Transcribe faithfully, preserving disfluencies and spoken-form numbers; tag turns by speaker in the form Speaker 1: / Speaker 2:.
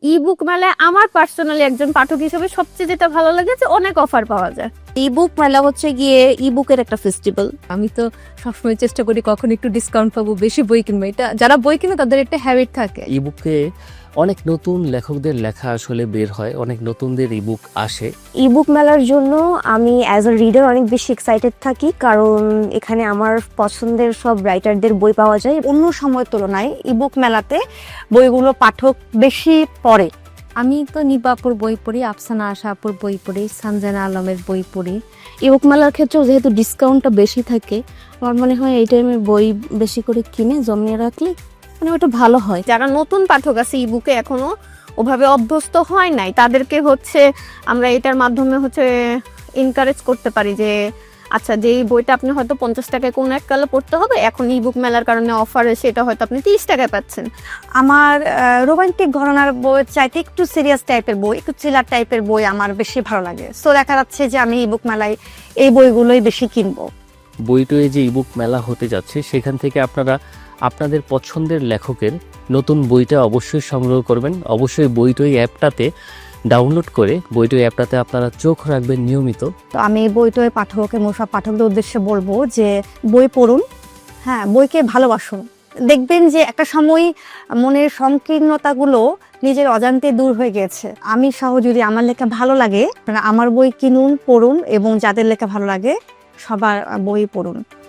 Speaker 1: E-book মেলায় আমার personally একজন পাঠক হিসেবে সবচেয়ে যেটা ভালো লাগে যে অনেক অফার পাওয়া যায়।
Speaker 2: ইবুক মেলা হচ্ছে গিয়ে ইবুকের একটা ফেস্টিভ্যাল।
Speaker 3: আমি তো সবসময় চেষ্টা করি কখন একটু ডিসকাউন্ট পাবো, বেশি বই কিনবো। এটা যারা বই কিনে তাদের একটা হ্যাবিট থাকে।
Speaker 4: ইবুকে অনেক নতুন লেখকদের লেখা আসলে বের হয়, অনেক নতুনদের ইবুক আসে।
Speaker 2: ইবুক মেলার জন্য আমি অ্যাজ আ রিডার অনেক বেশি এক্সাইটেড থাকি, কারণ এখানে আমার পছন্দের সব রাইটারদের বই পাওয়া যায়। অন্য সময়ের তুলনায় ইবুক মেলাতে বইগুলো পাঠক বেশি পড়ে।
Speaker 3: আমি তো নিবাপুর বই পড়ি, আফসানা আশাপুর বই পড়ি, সানজানা আলমের বই পড়ি।
Speaker 2: ইবুক মেলার ক্ষেত্রেও যেহেতু ডিসকাউন্টটা বেশি থাকে, আমার মনে হয় এই টাইমে বই বেশি করে কিনে জমিয়ে রাখলে মানে ওটা ভালো হয়।
Speaker 1: যারা নতুন পাঠক আছে ইবুকে এখনো ওভাবে অভ্যস্ত হয় নাই, তাদেরকে হচ্ছে আমরা এটার মাধ্যমে হচ্ছে এনকারেজ করতে পারি যে আচ্ছা, যেই বইটা আপনি হয়তো পঞ্চাশ টাকায় কোনো এক কালে পড়তে হবে, এখন ইবুক মেলার কারণে অফার সেটা হয়তো আপনি তিরিশ টাকায় পাচ্ছেন।
Speaker 5: আমার রোমান্টিক ঘরানার বই চাইতে একটু সিরিয়াস টাইপের বই, একটু থ্রিলার টাইপের বই আমার বেশি ভালো লাগে। সো দেখা যাচ্ছে যে আমি ইবুক মেলায় এই বইগুলোই বেশি কিনবো।
Speaker 4: বইটয়ে যে ইবুক মেলা হতে যাচ্ছে সেখান থেকে আপনারা আপনাদের পছন্দের লেখকের নতুন বইটা অবশ্যই সংগ্রহ করবেন। অবশ্যই বইটই অ্যাপটাতে ডাউনলোড করে বইটই অ্যাপটাতে আপনারা চোখ রাখবেন নিয়মিত।
Speaker 5: তো আমি এই বইটয় পাঠকের সব পাঠকদের উদ্দেশ্যে বলবো যে বই পড়ুন, হ্যাঁ বইকে ভালোবাসুন। দেখবেন যে একটা সময় মনের সংকীর্ণতাগুলো নিজের অজান্তে দূর হয়ে গেছে। আমি সহ যদি আমার লেখা ভালো লাগে, আমার বই কিনুন, পড়ুন, এবং যাদের লেখা ভালো লাগে সবার বই পড়ুন।